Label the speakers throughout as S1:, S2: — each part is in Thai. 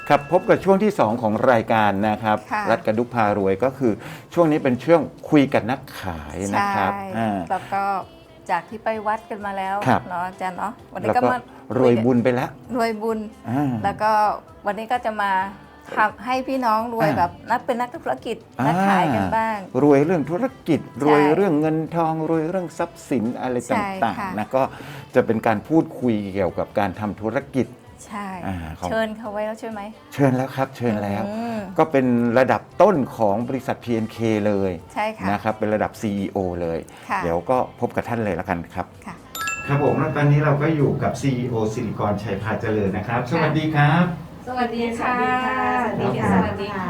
S1: ครับพบกับช่วงที่ 2 ของรายการนะครับ
S2: ค่ะ
S1: รัฐกระดุกพารวยก็คือช่วงนี้เป็นช่วงคุยกับนักขายนะครับ
S2: ใช่แล้วก็จากที่ไปวัดกันมาแล้ว
S1: ครับ
S2: เนาะอาจารย์เนาะวันนี้
S1: แล้ว
S2: ก็
S1: ก็
S2: มาร
S1: วยบุญไปแล้ว
S2: รวยบุญ
S1: อ่า
S2: แล้วก็วันนี้ก็จะมาทำให้พี่น้องรวย
S1: อ่า
S2: แบบเป็นนักธุรกิจนักขายกันบ้าง
S1: รวยเรื่องธุรกิจรวย
S2: ใช่
S1: เรื่องเงินทองรวยเรื่องทรัพย์สินอะไร
S2: ใช่
S1: ต่าง
S2: ค่ะ
S1: ๆนะก็จะเป็นการพูดคุยเกี่ยวกับการทำธุรกิจ
S2: ใช่
S1: ของ
S2: เชิญเขาไว้แล้วใช่ไหม
S1: เชิญแล้วครับเชิญแล้ว
S2: อืม
S1: ก็เป็นระดับต้นของบริษัท PNK เลย
S2: ใช่ค่ะ
S1: นะครับเป็นระดับ CEO เลย
S2: ค่ะ
S1: เดี๋ยวก็พบกับท่านเลยแล้วกันครับ
S2: ค่ะ
S1: ครับผมแล้วตอนนี้เราก็อยู่กับ CEO สิริกรชัยพาเจริญนะครับ สวัสดีครับ
S2: สวัสดีค่ะ
S3: สวัสดีค่ะ
S2: สวัสดีค่ะ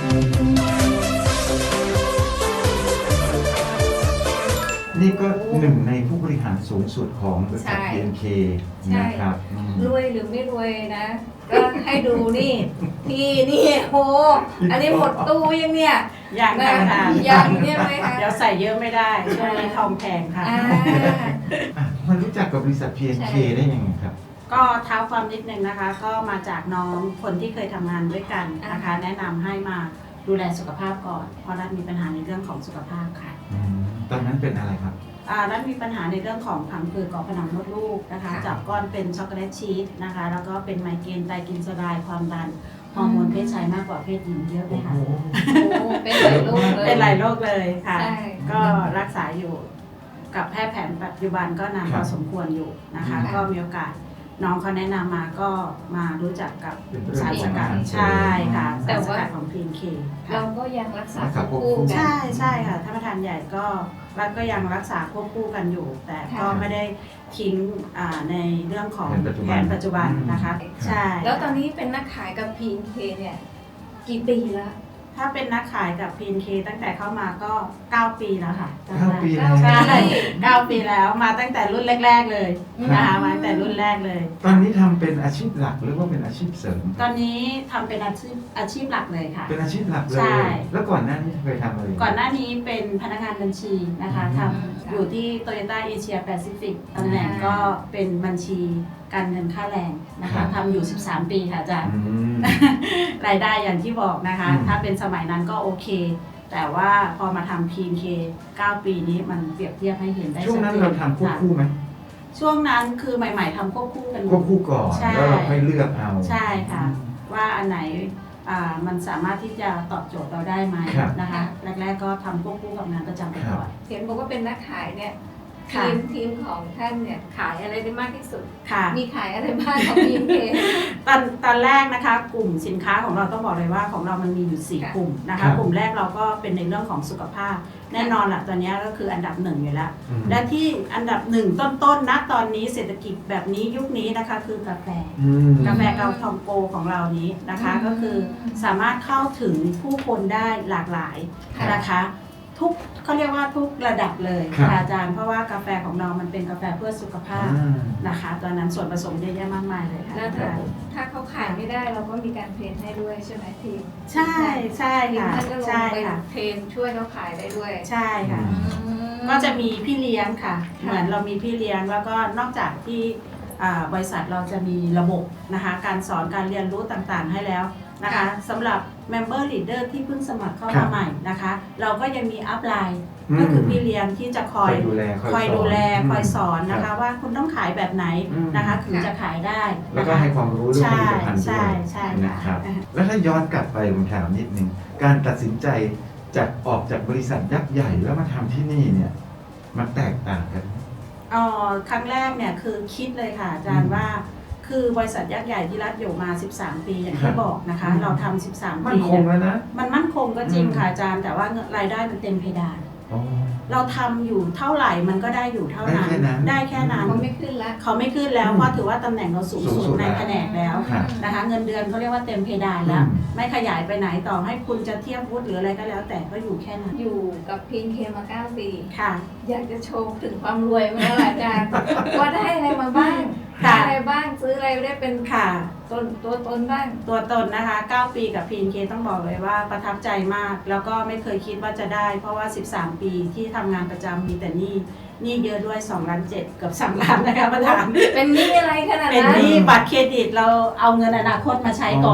S1: นี่ก็หนึ่งในผู้บริหารสูงสุดของบริษัท
S2: ใช่
S1: PNK
S3: ใช่
S1: นะครับอืม
S3: รวยหรือไม่รวยนะ ก็ให้ดูนี่ พี่นี่โห อันนี้หมดตู้ยังเนี่ย
S4: ยัง
S3: นะ
S4: ค่ะ
S3: ยังเนี่ยไหมคะ
S4: เดี๋ยวใส่เยอะไม่ได้ช่วงนี้ทองแพงค่ะ
S3: อ่า
S1: อ่ะมารู้จักกับบริษัท PNK
S3: ใช่
S1: ได้ยังไงครับ
S4: ก็เท้าความนิดนึงนะคะ ก็มาจากน้องคนที่เคยทำงานด้วยกันนะคะ แนะนำให้มาดูแลสุขภาพก่อน เพราะรัฐมีปัญหาในเรื่องของสุขภาพค่ะ
S1: ตอนนั้นเป็นอะไรครับ
S4: รัฐมีปัญหาในเรื่องของผังผืดเกาะผนังมดลูกนะคะ
S2: ค่ะ
S4: จับก้อนเป็นช็อกโกแลตชีสนะคะ แล้วก็เป็นไมเกรนไตกินสลายความดันฮอร์โมนเพศชายมากกว่าเพศหญิงเยอะเลยค่ะ
S3: โอ้เป็นหลายโรคเลย
S4: เป็นหลายโรคเลยค่ะ
S3: ใช่
S4: ก็รักษาอยู่กับแพทย์แผนปัจจุบันก็นานพอสมควรอยู่นะคะ
S1: ค่ะ
S4: ก็มีโอกาสน้องเขาแนะนำมาก็มารู้จักกับ
S1: เป็นเรื่อง
S4: สารสกัด
S1: ของอาหาร
S4: ใช่ค่ะ
S3: แต่
S4: สารส
S3: ว่า
S4: กัดของ PNK
S3: เราก็ยังรักษา
S1: รักษาควบ
S3: คู่
S1: คู่
S3: กั
S4: ใช่
S3: น
S4: ใช่ค่ะท่านประธานใหญ่ก็รัฐก็ยังรักษาควบคู่กันอยู่ แต่ก็
S3: ค่ะ
S4: ไม่ได้ทิ้งในเรื่องของ
S1: แผนปัจจุบัน
S4: นะคะ ใช่
S3: แล้วตอนนี้เป็นนักขายกับ PNK เนี่ย กี่ปีแล้ว
S4: ถ้าเป็นนักขายกับ PNK ตั้งแต่เข้ามาก็ 9 ปีแล้วค่ะ
S1: 9 ปีแล้ว
S4: ใช่9 ปีแล้วมาตั้งแต่รุ่นแรก ๆ เลยนะคะมาตั้งแต่รุ่นแรกเลย
S1: ตอนนี้ทำเป็นอาชีพหลักหรือว่าเป็นอาชีพเสริม
S4: ตอนนี้ทำเป็นอาชีพหลักเลยค่ะ
S1: เป็นอาชีพหลักเล
S4: ใช่
S1: ย แล้วก่อนหน้านี้เคยทำอะไร
S4: ก่อนหน้านี้เป็นพนักงานบัญชีนะคะท
S3: ค่ะ
S4: ำอยู่ที่ Toyota Asia Pacific ตำแหน่งก็เป็นบัญชีการเงินค่าแรงนะคะทำอยู่ 13 ปีค่ะอาจารย์
S1: อืม
S4: รายได้อย่างที่บอกนะคะ
S1: อืม
S4: ถ้าเป็นสมัยนั้นก็โอเค แต่ว่าพอมาทำ PNK 9 ปีนี้มันเปรียบเทียบให้เห็นได้
S1: ช่วงนั้นเราทำควบคู่ไหม
S4: ช่วงนั้นคือใหม่ ๆทำควบคู่กัน
S1: ควบคู่ก่อน
S4: ใช่
S1: แล้วเราค่อยเลือกเอา
S4: ใช่ค่ะ ว่าอันไหนมันสามารถที่จะตอบโจทย์เราได้ไหม
S1: ครับ
S4: นะคะ แรก ๆ ก็ทำควบคู่กับงานประจำไปก่อน
S3: เห็นบอกว่าเป็นนักขายเนี่ย
S4: ค่ะ
S3: ทีมของท่านเนี่ยขายอะไรได้มากที่สุด
S4: ค่ะ
S3: มีขายอะไรบ้างของ PNK
S4: ตอนแรกนะคะกลุ่มสินค้าของเราต้องบอกเลยว่าของเรามันมีอยู่ 4 กลุ่มนะ
S1: ครั
S4: คะ
S1: บ
S4: กลุ่มแรกเราก็เป็นในเรื่องของสุขภาพ แน่นอนละตัวเนี้ยก็คืออันดับหนึ่งอยู่แล้ว
S1: อืม
S4: และที่อันดับหนึ่งต้นๆนะตอนนี้เศรษฐกิจแบบนี้ยุคนี้นะคะคือกาแฟ
S1: อืม
S4: กาแฟเกาทองโกของเรานี้นะคะ
S3: อืม
S4: ก็คือสามารถเข้าถึงผู้คนได้หลากหลาย
S3: ค่ะ
S4: นะคะทุกเขาเรียกว่าทุกระดับเลย
S1: ครับ
S4: ค่ะอาจารย์เพราะว่ากาแฟของเรามันเป็นกาแฟเพื่อสุขภาพ
S1: อ่า
S4: นะคะตอนนั้นส่วนผสมเยอะแยะมากมายเลยค่ะ
S3: แล้วถ้าเขาขายไม่ได้เราก็มีการเทรนให้ด้วยใช่ไหมทีม
S4: ใช่ใช่
S3: ทีม
S4: ค่ะ
S3: ท่านก็ลง
S4: ใช่
S3: ไป
S4: ค่ะ
S3: เทรนช่วยเขาขายได้ด้วย
S4: ใช่ค่ะ ก็จะมีพี่เลี้ยงค่ะ เหมือนเรามีพี่เลี้ยงแล้วก็นอกจากที่บริษัทเราจะมีระบบนะคะการสอนการเรียนรู้ต่างๆให้แล้วนะคะสำหรับ Member Leader ที่เพิ่งสมัครเข้า
S1: ครั
S4: มา
S1: บ
S4: ใหม่นะคะ เราก็ยังมีอัพไลน์
S1: อืม
S4: ก็คือพี่เลี้ยงที่จะคอย
S1: ดูแล
S4: คอยดูแล
S1: สอน
S4: คอยสอนนะ
S1: ครั
S4: คะ
S1: บ
S4: ว่าคุณต้องขายแบบไหน
S1: อืม
S4: นะคะถึงจะขายได้
S1: แล้ว
S4: นะ
S1: ก็
S4: คะ
S1: ให้ความรู้เรื่องผ
S4: ใช่
S1: ลิตภัณฑ์ด้
S4: ใช่
S1: วย
S4: ใช่
S1: นะครับ
S4: ค่ะ
S1: แล้วถ้าย้อนกลับไปผมถามนิดนึง การตัดสินใจจากออกจากบริษัทยักษ์ใหญ่แล้วมาทำที่นี่เนี่ย มันแตกต่างกันไหม
S4: ครั้งแรกเนี่ยคือคิดเลยค่ะอาจาร
S1: อื
S4: ย์
S1: ม
S4: ว่า คือบริษัทยักษ์ใหญ่ที่รัฐอยู่มา 13 ปีอย่าง
S1: ครั
S4: ที่
S1: บ
S4: บอกนะคะ
S1: อืม
S4: เราทำ13
S1: มัน
S4: ปี
S1: คง
S4: เนี่ย
S1: แล้วนะ
S4: มันมั่นคงก็จริง
S1: อืม
S4: ค่ะอาจารย์ แต่ว่ารายได้มันเต็มเพดาน
S1: อ๋อ
S4: เราทำอยู่เท่าไหร่มันก็ได้อยู่เท่านั้น
S1: ได้แค่นั้น
S4: ได้แค่นั้น
S3: เขาไม่ขึ้นละ
S4: เขาไม่ขึ้นแล้ว
S1: อืม
S4: เพราะถือว่าตำแหน่งเราสูง
S1: สูง
S4: สุ
S1: สุ
S4: ด
S1: ด
S4: ใน
S1: แล้ว
S4: แผนกแล้ว
S1: ครับ
S4: นะคะ เงินเดือนเขาเรียกว่าเต็มเพดานแล้ว
S1: อืม
S4: ไม่ขยายไปไหนต่อให้คุณจะเทียบวุฒิหรืออะไรก็แล้ว แต่ก็อยู่แค่นั้น
S3: อยู่กับ PNK มา 9 ปี
S4: ค่ะ
S3: อยากจะโชว์ถึงความรวยมาแล้วล่ะอาจารย์ ว่าได้อะไรมาบ้าง
S4: ค่ะ
S3: ได้อะไรบ้างซื้ออะไรได้เป็น
S4: ค่ะ
S3: ตัวตนบ้าง
S4: ตัวตนนะคะ 9 ปีกับ PNK ต้องบอกเลยว่าประทับใจมาก แล้วก็ไม่เคยคิดว่าจะได้ เพราะว่า 13 ปีที่ทำงานประจำมีแต่หนี้เยอะด้วย2 ล้าน 7เกือบ3 ล้านนะคะประธาน
S3: เป็นหนี้อะไรขนาด
S4: เป็น
S3: นั้น
S4: หนี้บัตรเครดิตเราเอาเงินอนาคตมาใช้ก่อน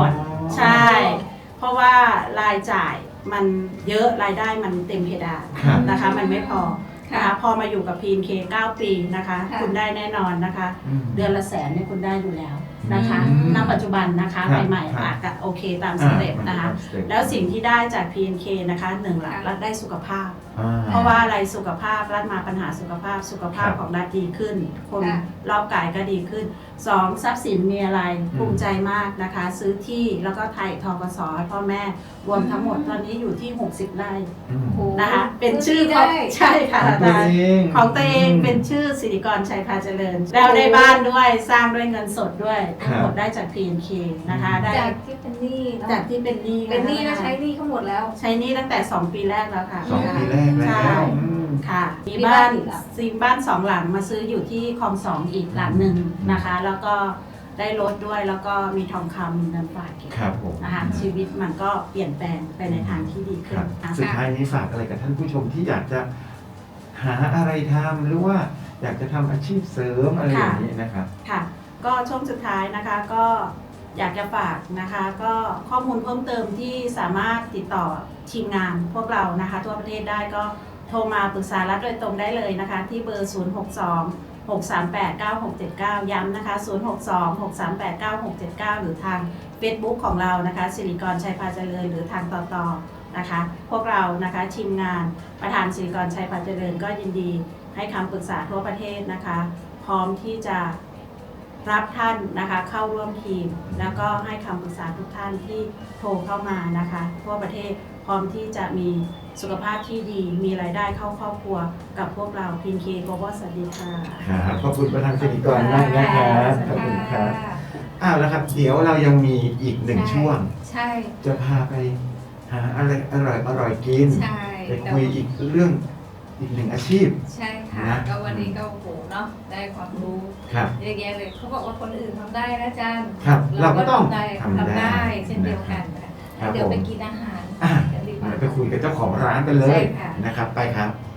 S4: ใช่ เพราะว่ารายจ่ายมันเยอะรายได้มันเต็มเพดาน
S1: ครับ
S4: นะคะ มันไม่พอนะคะพอมาอยู่กับ PNK 9 ปีนะคะ
S3: ค่ะ
S4: คุณได้แน่นอนนะคะ
S1: อืม
S4: เดือนละแสนเนี่ยคุณได้อยู่แล้วนะคะ
S1: อืม
S4: ณ ปัจจุบันนะคะ
S1: ครับ
S4: ใหม่
S1: ครับ
S4: ๆอาจจะโอเคตามสเต็ปนะคะ แล้วสิ่งที่ได้จาก PNK นะคะหนึ่งหลักรัฐได้สุขภาพ เพราะว่าอะไรสุขภาพรัฐมาปัญหาสุขภาพ
S1: ครับ
S4: ของรัฐดีขึ้น คน
S3: ค่ะ
S4: รอบกายก็ดีขึ้น 2. ทรัพย์สินมีอะไรภูมิใจมากนะคะ ซื้อที่แล้วก็ไถ่ทกสให้พ่อแม่รวมทั้งหมดตอนนี้อยู่ที่ 60 ไร่
S1: อืม
S3: โอ้
S4: นะคะ เป็นชื่อ
S3: ได้
S4: ของใช่ค่ะ
S1: ของตัวเอง
S4: ของตัวเองเป็นชื่อสิริกรชัยพาเจริญ แล้วได้บ้านด้วยสร้างด้วยเงินสดด้วย
S1: ครับ
S4: ทั้งหมดได้จาก PNK นะคะได้
S3: จากที่เป็นหนี้เนาะ
S4: จากที่เป็นหนี้
S3: เป็นหนี้แล้ว
S4: ะคะ
S3: ใช้หนี้เขาหมดแล้ว
S4: ใช้หนี้ตั้งแต่ 2 ปีแรกแล้วค่ะ
S1: 2 ปีแรกแล้
S4: ใช่
S1: วอืม
S4: ค่ะมี
S3: มี
S4: บ้าน
S3: บ้านอีกเหรอ
S4: ซีบ้าน2 หลังมาซื้ออยู่ที่คลอง2อีกหลังหนึ่งนะคะ แล้วก็ได้รถด้วยแล้วก็มีทองคำมีเงินฝากเก็บ
S1: ครับผม
S4: นะคะชีวิตมันก็เปลี่ยนแปลงไปในทางที่ดี
S1: ค
S4: ขึ้
S1: รั
S4: น
S1: บ
S4: นะ
S1: สุด
S4: คะ
S1: ท้ายนี้ฝากอะไรกับท่านผู้ชมที่อยากจะหาอะไรทำหรือว่าอยากจะทำอาชีพเสริมอะไรอย่างนี้นะครับ
S4: ค่ะ ก็ช่วงสุดท้ายนะคะก็อยากจะฝากนะคะ ก็ข้อมูลเพิ่มเติมที่สามารถติดต่อทีมงานพวกเรานะคะทั่วประเทศได้ก็โทรมาปรึกษารัฐโดยตรงได้เลยนะคะ ที่เบอร์ 062-638-9679 ย้ำนะคะ 062-638-9679 หรือทาง Facebook ของเรานะคะสิริกรชัยพาเจริญหรือทางต่อนะคะ พวกเรานะคะทีมงานประธานสิริกรชัยพาเจริญก็ยินดีให้คำปรึกษาทั่วประเทศนะคะ พร้อมที่จะรับท่านนะคะเข้าร่วมทีม แล้วก็ให้คำปรึกษาทุกท่านที่โทรเข้ามานะคะทั่วประเทศพร้อมที่จะมีสุขภาพที่ดีมีรายได้เข้าครอบครัวกับพวกเราพินเคโกลบอลสวัสดีค่ะ
S1: ครับขอบคุณประธานสิริกรมากนะครับขอบคุณครับอ้าวแล้วครับ เดี๋ยวเรายังมีอีกหนึ่งช่วง
S3: ใช่
S1: จะพาไปหาอะไรอร่อยกิน
S3: ใช่
S1: ไปคุยอีกเรื่องอีกหนึ่งอาชีพ
S3: ใช่ค่ะ
S1: นะ
S3: ก็วันนี้ก็โอ้โหเนาะได้ความรู้
S1: ครับ
S3: เยอะแยะเลยเขาบอกว่าคนอื่นทำได้นะอาจารย์
S1: ครับเราก็ต้อง
S3: ทำ
S1: ทำได้
S3: ได้เช่นเดียวกันนะ
S1: ครั
S3: คะ
S1: บ
S3: เดี๋ยว
S1: ผม
S3: ไปกินอาหาร
S1: อ่ะ
S3: กันดีกว่า
S1: ไปคุยกับเจ้าของร้านกันเลย
S3: ใช่ค่ะ
S1: นะครับ ไปครับ
S3: ค